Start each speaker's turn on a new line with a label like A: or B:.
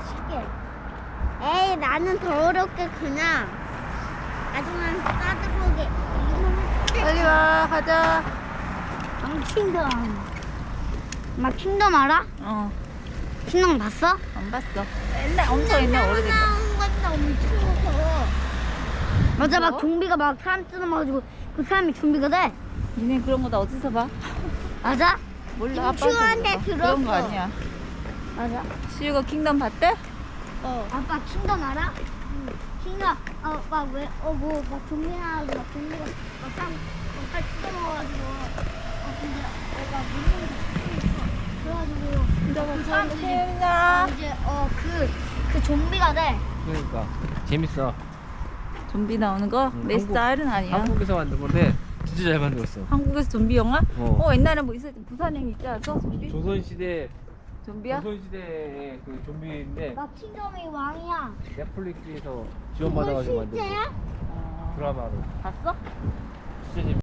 A: 쉽게. 에이, 나는 더 어렵게 그냥 아주만 따뜻하게.
B: 빨리 와, 가자.
A: 킹덤. 막 킹덤 알아?
B: 어,
A: 킹덤 봤어?
B: 안 봤어. 옛날, 엄청 옛날 오래된 거.
A: 나온 건데 엄청 무서워. 맞아, 막
B: 무서워?
A: 좀비가 막 사람 뜯어먹어가지고 그 사람이 좀비가 돼.
B: 니네 그런 거 다 어디서 봐?
A: 맞아?
B: 몰라, 아빠한테
A: 유치원에
B: 물어봐.
A: 들었어.
B: 그런 거 아니야.
A: 맞아.
B: 시우가 킹덤 봤대?
A: 아빠 킹덤 알아? 응. 킹덤 막 좀비 나와서 막 좀비가 막 사람 빨리 뜯어먹어가지고 근데 내가 그래가지고 그 사람들이
B: 재밌냐?
A: 이제 그 좀비가 돼.
C: 그러니까 재밌어.
B: 좀비 나오는 거?
C: 응,
B: 내 스타일은 아니야.
C: 한국에서 만든 건데 진짜 잘 만들었어.
B: 한국에서 좀비 영화?
C: 어.
B: 옛날에 뭐 있었지? 부산행 있지 않았어? 좀비?
C: 조선시대
B: 좀비야?
C: 조선시대의 그 좀비인데
A: 나 킹덤이 왕이야.
C: 넷플릭스에서 지원받아가지고 만든
A: 실제야?
B: 어,
C: 드라마로.
B: 봤어?
C: 진짜 재밌어.